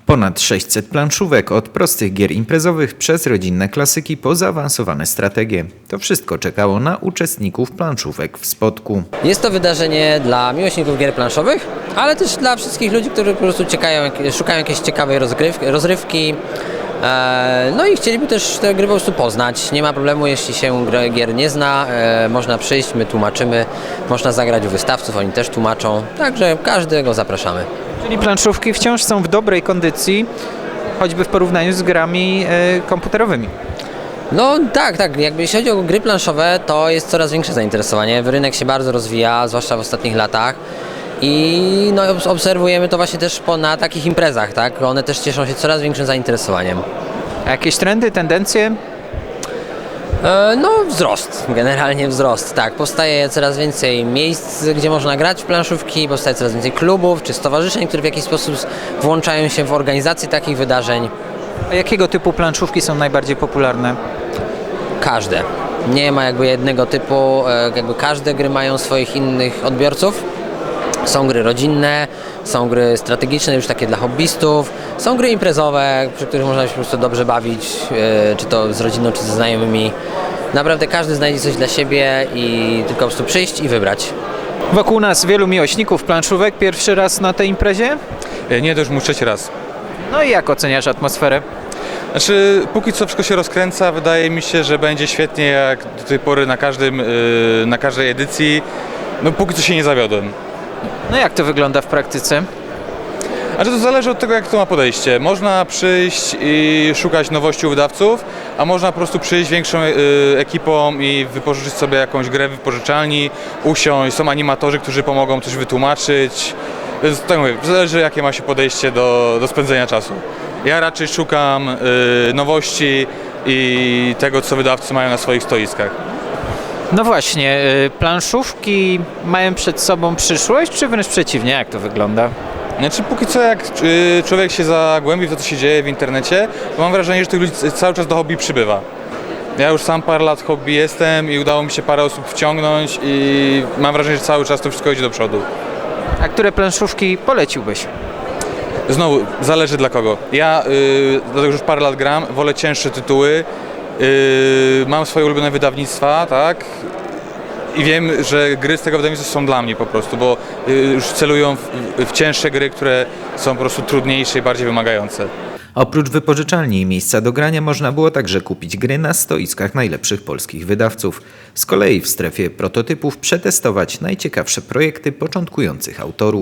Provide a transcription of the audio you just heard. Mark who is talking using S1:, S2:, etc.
S1: Ponad 600 planszówek, od prostych gier imprezowych przez rodzinne klasyki po zaawansowane strategie. To wszystko czekało na uczestników planszówek w Spodku.
S2: Jest to wydarzenie dla miłośników gier planszowych, ale też dla wszystkich ludzi, którzy po prostu szukają jakiejś ciekawej rozrywki. No i chcieliby też te gry po prostu poznać. Nie ma problemu, jeśli się gier nie zna, można przyjść, my tłumaczymy, można zagrać u wystawców, oni też tłumaczą, także każdego zapraszamy.
S3: Czyli planszówki wciąż są w dobrej kondycji, choćby w porównaniu z grami komputerowymi.
S2: No tak, jakby jeśli chodzi o gry planszowe, to jest coraz większe zainteresowanie. Rynek się bardzo rozwija, zwłaszcza w ostatnich latach. I no, obserwujemy to właśnie też na takich imprezach, tak? One też cieszą się coraz większym zainteresowaniem.
S3: A jakieś trendy, tendencje?
S2: No wzrost, generalnie wzrost, tak. Powstaje coraz więcej miejsc, gdzie można grać w planszówki, powstaje coraz więcej klubów czy stowarzyszeń, które w jakiś sposób włączają się w organizację takich wydarzeń.
S3: A jakiego typu planszówki są najbardziej popularne?
S2: Każde. Nie ma jakby jednego typu, jakby każde gry mają swoich innych odbiorców. Są gry rodzinne, są gry strategiczne, już takie dla hobbystów, są gry imprezowe, przy których można się po prostu dobrze bawić, czy to z rodziną, czy ze znajomymi. Naprawdę każdy znajdzie coś dla siebie i tylko po prostu przyjść i wybrać.
S3: Wokół nas wielu miłośników planszówek. Pierwszy raz na tej imprezie?
S4: Nie, to już mój trzeci raz.
S3: No i jak oceniasz atmosferę?
S4: Znaczy, póki co wszystko się rozkręca, wydaje mi się, że będzie świetnie jak do tej pory na każdej edycji. No póki co się nie zawiodłem.
S3: No jak to wygląda w praktyce?
S4: Znaczy to zależy od tego, jak to ma podejście. Można przyjść i szukać nowości u wydawców, a można po prostu przyjść większą ekipą i wypożyczyć sobie jakąś grę w wypożyczalni, usiąść, są animatorzy, którzy pomogą coś wytłumaczyć. Więc tak mówię, zależy jakie ma się podejście do spędzenia czasu. Ja raczej szukam nowości i tego, co wydawcy mają na swoich stoiskach.
S3: No właśnie, planszówki mają przed sobą przyszłość, czy wręcz przeciwnie? Jak to wygląda?
S4: Znaczy póki co jak człowiek się zagłębi w to, co się dzieje w internecie, to mam wrażenie, że tych ludzi cały czas do hobby przybywa. Ja już sam parę lat hobby jestem i udało mi się parę osób wciągnąć i mam wrażenie, że cały czas to wszystko idzie do przodu.
S3: A które planszówki poleciłbyś?
S4: Znowu, zależy dla kogo. Ja, dlatego że już parę lat gram, wolę cięższe tytuły, mam swoje ulubione wydawnictwa, tak? I wiem, że gry z tego wydawnictwa są dla mnie po prostu, bo już celują w cięższe gry, które są po prostu trudniejsze i bardziej wymagające.
S1: Oprócz wypożyczalni i miejsca do grania można było także kupić gry na stoiskach najlepszych polskich wydawców. Z kolei w strefie prototypów przetestować najciekawsze projekty początkujących autorów.